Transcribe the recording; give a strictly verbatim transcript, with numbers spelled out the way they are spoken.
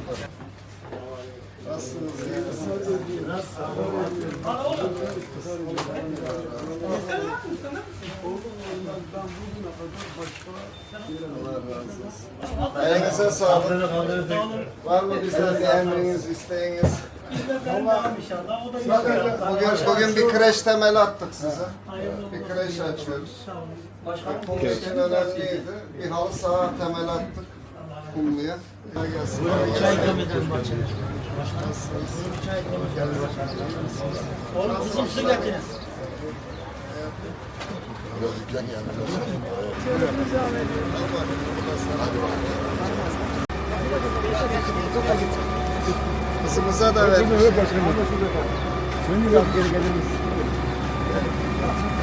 Nasılsınız? Allah razı olsun. Ayağınıza sağlık. Var mı bizden bir emriniz, isteğiniz? Bugün, bugün bir kreş temeli attık size. Bir kreş açıyoruz. Kum için önemliydi. Bir halı saha temeli attık. Kumlu'ya. Çay ikram edelim bahçede. Çay ikram edelim. Oğlum kızım su getirin. Kızımıza da vermiş. Şimdi geri gelir misin?